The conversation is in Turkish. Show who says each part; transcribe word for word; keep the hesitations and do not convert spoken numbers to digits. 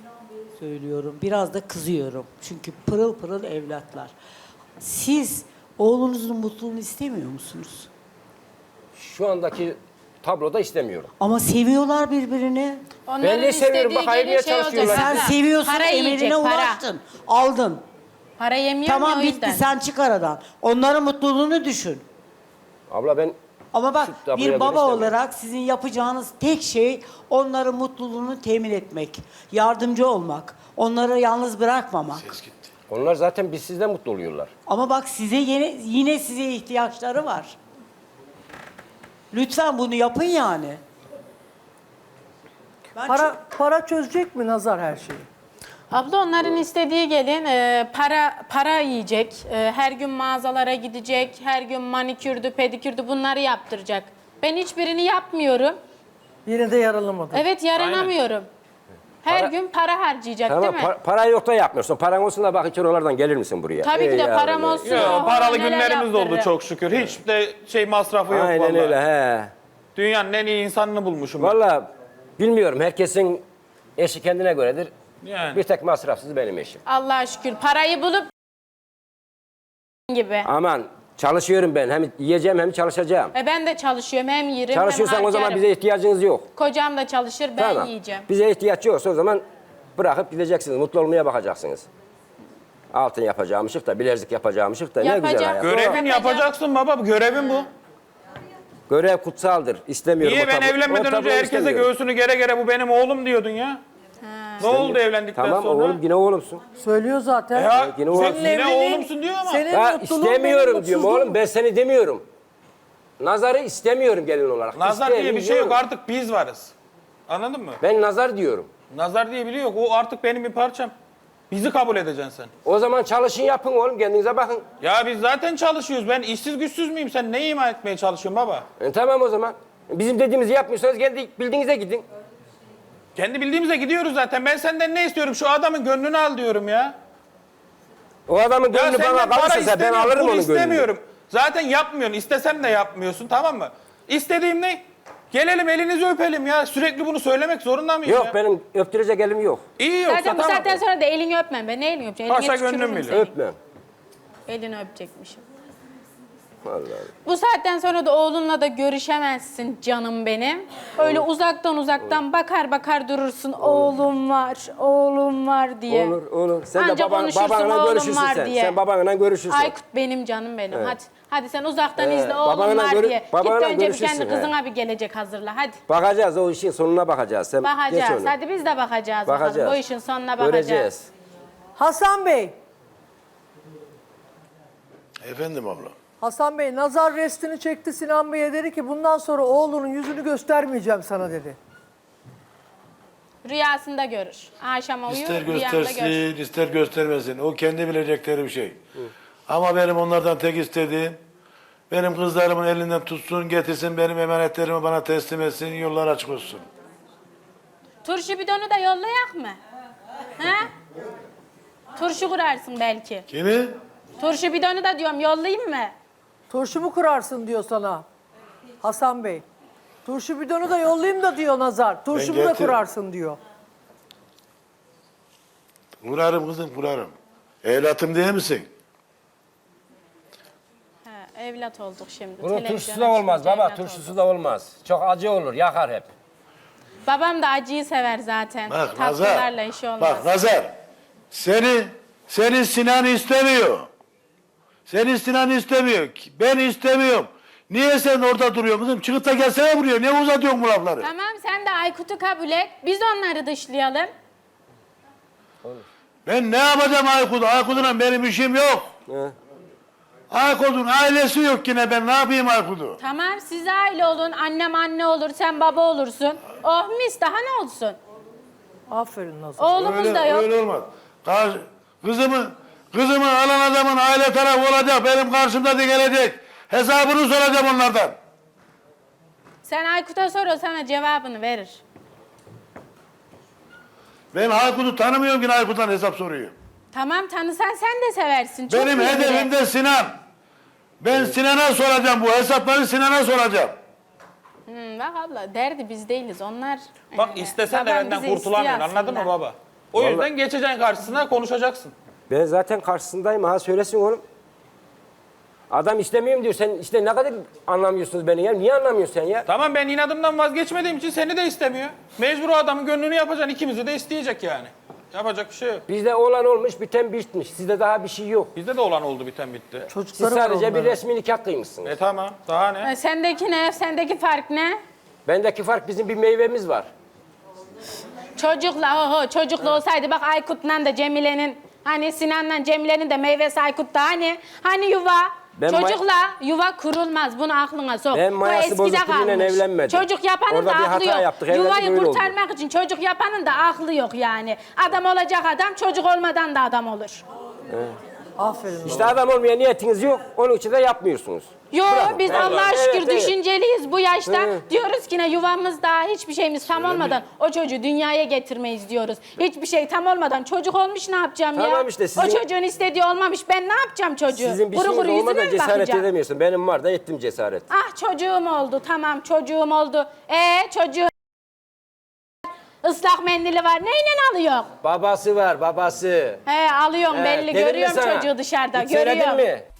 Speaker 1: söylüyorum. Biraz da kızıyorum. Çünkü pırıl pırıl evlatlar. Siz oğlunuzun mutluluğunu istemiyor musunuz?
Speaker 2: Şu andaki tabloda istemiyorum.
Speaker 1: Ama seviyorlar birbirini.
Speaker 2: Ben de seviyorum. Bak ayrıya
Speaker 3: şey
Speaker 2: çalışıyorlar.
Speaker 1: Sen
Speaker 3: Para.
Speaker 1: seviyorsun,
Speaker 3: Para yiyecek,
Speaker 1: emeline
Speaker 3: para.
Speaker 1: ulaştın. Aldın.
Speaker 3: Para yemiyor
Speaker 1: Tamam
Speaker 3: ya o
Speaker 1: bitti,
Speaker 3: yüzden.
Speaker 1: sen çık aradan. Onların mutluluğunu düşün.
Speaker 2: Abla ben
Speaker 1: Ama bak
Speaker 2: Şu tabloya
Speaker 1: bir
Speaker 2: göre
Speaker 1: baba
Speaker 2: istemiyorum.
Speaker 1: olarak sizin yapacağınız tek şey onların mutluluğunu temin etmek. Yardımcı olmak. Onları yalnız bırakmamak.
Speaker 2: onlar zaten biz sizden mutlu oluyorlar.
Speaker 1: Ama bak size yine, yine size ihtiyaçları var. Lütfen bunu yapın yani. Ben
Speaker 4: Para, para çözecek mi Nazar her şeyi?
Speaker 3: Abla onların istediği gelin e, para para yiyecek. E, her gün mağazalara gidecek. Her gün manikürdü, pedikürdü bunları yaptıracak. Ben hiçbirini yapmıyorum.
Speaker 4: Yine de yaralamadı.
Speaker 3: Evet yaranamıyorum. Her
Speaker 2: Para-
Speaker 3: gün para harcayacak
Speaker 2: Tamam
Speaker 3: değil mi?
Speaker 2: pa- para yok da yapmıyorsun. Paran olsun da bak için oralardan gelir misin buraya?
Speaker 3: Tabii ki
Speaker 2: Ey
Speaker 3: de
Speaker 2: yavrum
Speaker 3: param
Speaker 2: ey.
Speaker 3: olsun.
Speaker 5: Yo,
Speaker 3: Oho,
Speaker 5: paralı
Speaker 3: neler
Speaker 5: günlerimiz de oldu
Speaker 3: yaptırırım.
Speaker 5: çok şükür. Hiç de şey masrafı yok
Speaker 2: Aynen
Speaker 5: vallahi.
Speaker 2: öyle he.
Speaker 5: Dünyanın en iyi insanını bulmuşum ben.
Speaker 2: Vallahi bilmiyorum herkesin eşi kendine göredir.
Speaker 5: Yani.
Speaker 2: Bir tek masrafsız benim eşim.
Speaker 3: Allah'a şükür parayı bulup gibi.
Speaker 2: Aman çalışıyorum ben. Hem yiyeceğim hem çalışacağım.
Speaker 3: E ben de çalışıyorum hem yerim
Speaker 2: Çalışıyorsan
Speaker 3: hem
Speaker 2: o zaman
Speaker 3: harcarım.
Speaker 2: bize ihtiyacınız yok.
Speaker 3: Kocam da çalışır ben
Speaker 2: Tamam.
Speaker 3: yiyeceğim.
Speaker 2: Bize ihtiyaç yoksa o zaman bırakıp gideceksiniz. Mutlu olmaya bakacaksınız. Altın yapacağımışık da, bilezik yapacağımışık da ne güzel
Speaker 3: Yapacağım.
Speaker 2: hayat.
Speaker 5: Görevin
Speaker 3: Yapacağım.
Speaker 5: yapacaksın baba. Görevin bu.
Speaker 2: Görev kutsaldır. İstemiyorum.
Speaker 5: Niye
Speaker 2: o
Speaker 5: ben
Speaker 2: tablo- o
Speaker 5: evlenmeden önce
Speaker 2: tabloyu
Speaker 5: herkese
Speaker 2: istemiyorum.
Speaker 5: göğsünü gere gere bu benim oğlum diyordun ya? Ne oldu evlendikten
Speaker 2: Tamam
Speaker 5: sonra?
Speaker 2: oğlum yine oğlumsun.
Speaker 4: Söylüyor zaten.
Speaker 5: Ya
Speaker 2: yine oğlum.
Speaker 5: sen yine oğlumsun diyor ama.
Speaker 4: Senin
Speaker 2: Ya
Speaker 4: mutluluğun
Speaker 2: istemiyorum
Speaker 4: benim
Speaker 2: diyorum
Speaker 4: mutsuzluğum.
Speaker 2: oğlum, ben seni demiyorum. Nazarı istemiyorum gelin olarak.
Speaker 5: Nazar diye bir şey yok,
Speaker 2: İstemiyorum.
Speaker 5: artık biz varız. Anladın mı?
Speaker 2: Ben nazar diyorum.
Speaker 5: Nazar diye biri yok. O artık benim bir parçam. Bizi kabul edeceksin sen.
Speaker 2: O zaman çalışın yapın oğlum, kendinize bakın.
Speaker 5: Ya biz zaten çalışıyoruz. Ben işsiz güçsüz müyüm? Sen ne ima etmeye çalışıyorsun baba?
Speaker 2: E, tamam o zaman. Bizim dediğimizi yapmıyorsanız kendi bildiğinize gidin.
Speaker 5: Kendi bildiğimize gidiyoruz zaten. Ben senden ne istiyorum? Şu adamın gönlünü al diyorum ya.
Speaker 2: O adamın
Speaker 5: Ya
Speaker 2: gönlü
Speaker 5: senden
Speaker 2: bana
Speaker 5: para
Speaker 2: kalırsa sen ben
Speaker 5: istemiyorum,
Speaker 2: alırım
Speaker 5: pul
Speaker 2: onun gönlünü.
Speaker 5: istemiyorum. Zaten yapmıyorsun. İstesem de yapmıyorsun, tamam mı? İstediğim ne? Gelelim elinizi öpelim ya. Sürekli bunu söylemek zorunda mıyım
Speaker 2: Yok
Speaker 5: ya?
Speaker 2: benim öptürecek elim yok.
Speaker 5: İyi yoksa
Speaker 3: Zaten bu
Speaker 5: tamam.
Speaker 3: saatten sonra da elini öpmem ben. Ne elini öpeceğim?
Speaker 5: Paşa
Speaker 3: Elini
Speaker 5: gönlüm
Speaker 3: tükürürüm
Speaker 5: bilir.
Speaker 3: seni.
Speaker 2: Öpmem.
Speaker 3: Elini öpecekmişim.
Speaker 2: Vallahi.
Speaker 3: Bu saatten sonra da oğlunla da görüşemezsin canım benim. Öyle uzaktan uzaktan bakar bakar durursun. Oğlum var, oğlum var diye.
Speaker 2: Olur olur. Sen
Speaker 3: Anca
Speaker 2: de baban,
Speaker 3: konuşursun,
Speaker 2: babanla
Speaker 3: oğlum
Speaker 2: görüşürsün
Speaker 3: var
Speaker 2: sen.
Speaker 3: diye.
Speaker 2: Sen babanla görüşürsün.
Speaker 3: Aykut benim canım benim. Hadi. Hadi sen uzaktan
Speaker 2: Ee,
Speaker 3: izle oğlum
Speaker 2: babanla
Speaker 3: var
Speaker 2: görü-
Speaker 3: diye. Git
Speaker 2: babanla
Speaker 3: önce bir
Speaker 2: görüşürsün,
Speaker 3: kendi
Speaker 2: he.
Speaker 3: kızına bir gelecek hazırla. Hadi.
Speaker 2: Bakacağız, o işin sonuna bakacağız. Sen geç
Speaker 3: Bakacağız.
Speaker 2: onu.
Speaker 3: Hadi biz de bakacağız. Bakalım.
Speaker 2: Bakacağız.
Speaker 3: Bu işin sonuna bakacağız.
Speaker 2: Göreceğiz.
Speaker 4: Hasan Bey.
Speaker 6: Efendim abla.
Speaker 4: Hasan Bey nazar restini çekti Sinan Bey'e dedi ki bundan sonra oğlunun yüzünü göstermeyeceğim sana dedi.
Speaker 3: Rüyasında görür. Akşama uyur,
Speaker 6: İster
Speaker 3: rüyanda görür.
Speaker 6: göstersin, ister göstermesin. O kendi bilecekleri bir şey. Ama benim onlardan tek istediğim, benim kızlarımın elinden tutsun, getirsin, benim emanetlerimi bana teslim etsin, yollar açık olsun.
Speaker 3: Turşu bidonu da yollayak mı? He? Turşu kurarsın belki.
Speaker 6: Kimi?
Speaker 3: Turşu bidonu da diyorum yollayayım mı?
Speaker 4: Turşu mu kurarsın diyor sana Hasan Bey. Turşu bidonu da yollayayım da diyor Nazar. Turşumu da
Speaker 6: getir-
Speaker 4: kurarsın diyor.
Speaker 6: Kurarım kızım, kurarım. Evlatım değil misin?
Speaker 3: He, evlat olduk şimdi.
Speaker 2: Bunun
Speaker 3: Televizyona
Speaker 2: turşusu da olmaz
Speaker 3: çıkınca
Speaker 2: baba,
Speaker 3: evlat
Speaker 2: turşusu
Speaker 3: olduk.
Speaker 2: da olmaz. Çok acı olur, yakar hep.
Speaker 3: Babam da acıyı sever zaten.
Speaker 6: Bak
Speaker 3: Tatlılarla
Speaker 6: Nazar,
Speaker 3: işi olmaz.
Speaker 6: bak Nazar, seni, seni Sinan istemiyor. Seni Sinan istemiyor. Ben istemiyorum. Niye sen orada duruyorsun kızım? Çıkıp da gelsene buraya. Niye uzatıyorsun bu lafları?
Speaker 3: Tamam sen de Aykut'u kabul et. Biz onları dışlayalım.
Speaker 6: Ben ne yapacağım Aykut? Aykut'la benim işim yok.
Speaker 2: He.
Speaker 6: Aykut'un ailesi yok yine, ben ne yapayım Aykut'u?
Speaker 3: Tamam siz aile olun. Annem anne olur. Sen baba olursun. Oh mis daha ne olsun?
Speaker 4: Aferin Nazar.
Speaker 3: Oğlumuz
Speaker 6: Öyle,
Speaker 3: da yok.
Speaker 6: öyle olmaz. Karşı, kızımı, kızımı alan adamın aile tarafı olacak, benim karşımda da gelecek. Hesabını soracağım onlardan.
Speaker 3: Sen Aykut'a sor o sana cevabını verir.
Speaker 6: Ben Aykut'u tanımıyorum ki Aykut'tan hesap soruyor.
Speaker 3: Tamam tanısan sen de seversin. Çok
Speaker 6: Benim
Speaker 3: iyi biri.
Speaker 6: hedefim de Sinan. Ben Sinan'a soracağım bu hesapları, Sinan'a soracağım.
Speaker 3: Hmm, bak abla derdi biz değiliz onlar.
Speaker 5: Bak
Speaker 3: e,
Speaker 5: istesen de
Speaker 3: babam
Speaker 5: benden
Speaker 3: bizi
Speaker 5: kurtulamıyorsun,
Speaker 3: istiyor
Speaker 5: anladın mı
Speaker 3: aslında.
Speaker 5: baba? O
Speaker 2: Vallahi-
Speaker 5: yüzden geçeceksin karşısına, konuşacaksın.
Speaker 2: Ben zaten karşısındayım. Ha söylesin oğlum. Adam istemiyorum diyor. Sen işte ne kadar anlamıyorsunuz beni ya. Niye anlamıyorsun sen ya?
Speaker 5: Tamam, ben inadımdan vazgeçmediğim için seni de istemiyor. Mecbur o adamın gönlünü yapacaksın. İkimizi de isteyecek yani. Yapacak bir şey yok.
Speaker 2: Bizde olan olmuş, biten bitmiş. Sizde daha bir şey yok.
Speaker 5: Bizde de olan oldu, biten bitti.
Speaker 2: Siz
Speaker 4: Çocukları var
Speaker 2: sadece bir
Speaker 4: onların.
Speaker 2: resmi nikah kıymışsınız.
Speaker 5: E tamam, daha ne?
Speaker 3: E, Sendeki ne? Sendeki fark ne?
Speaker 2: Bendeki fark bizim bir meyvemiz var.
Speaker 3: Çocukla, oho çocukla olsaydı bak Aykut'la da Cemile'nin, hani Sinan'la Cemile'nin de meyvesi Aykut'ta hani, hani yuva.
Speaker 2: Ben may-
Speaker 3: Çocukla yuva kurulmaz. Bunu aklına sok.
Speaker 2: Ben
Speaker 3: Bu
Speaker 2: mayası
Speaker 3: eskide
Speaker 2: bozuk biriyle
Speaker 3: kalmış.
Speaker 2: evlenmedim.
Speaker 3: Çocuk yapanın
Speaker 2: Orada
Speaker 3: da
Speaker 2: bir
Speaker 3: aklı
Speaker 2: hata
Speaker 3: yok.
Speaker 2: yaptık, evlendik,
Speaker 3: Yuvayı
Speaker 2: öyle oldu.
Speaker 3: kurtarmak için çocuk yapanın da aklı yok yani. Adam olacak adam, çocuk olmadan da adam olur.
Speaker 4: Aferin.
Speaker 2: İşte adam olmaya niyetiniz yok. Onun için de yapmıyorsunuz.
Speaker 3: Yok
Speaker 2: Bırakın.
Speaker 3: biz
Speaker 2: Evet,
Speaker 3: Allah'a
Speaker 2: evet,
Speaker 3: şükür
Speaker 2: evet.
Speaker 3: düşünceliyiz bu yaşta.
Speaker 2: Hı.
Speaker 3: Diyoruz ki ne yuvamız daha hiçbir şeyimiz tam olmadan o çocuğu dünyaya getirmeyiz diyoruz. Hiçbir şey tam olmadan çocuk olmuş ne yapacağım ya?
Speaker 2: Tamam işte, sizin-
Speaker 3: O çocuğun istediği olmamış ben ne yapacağım çocuğu?
Speaker 2: Sizin bir
Speaker 3: Kuru
Speaker 2: şeyiniz
Speaker 3: kuru yüzüne
Speaker 2: olmadan
Speaker 3: mi
Speaker 2: cesaret
Speaker 3: bakacağım?
Speaker 2: edemiyorsun. Benim var da ettim cesaret.
Speaker 3: Ah çocuğum oldu tamam çocuğum oldu. Ee çocuğu ıslak mendili var neyle alıyor?
Speaker 2: Babası var, babası.
Speaker 3: He alıyorum
Speaker 2: He,
Speaker 3: belli
Speaker 2: dedim mi
Speaker 3: görüyorum
Speaker 2: sana?
Speaker 3: çocuğu dışarıda
Speaker 2: Hiç söyledin
Speaker 3: görüyorum.
Speaker 2: mi?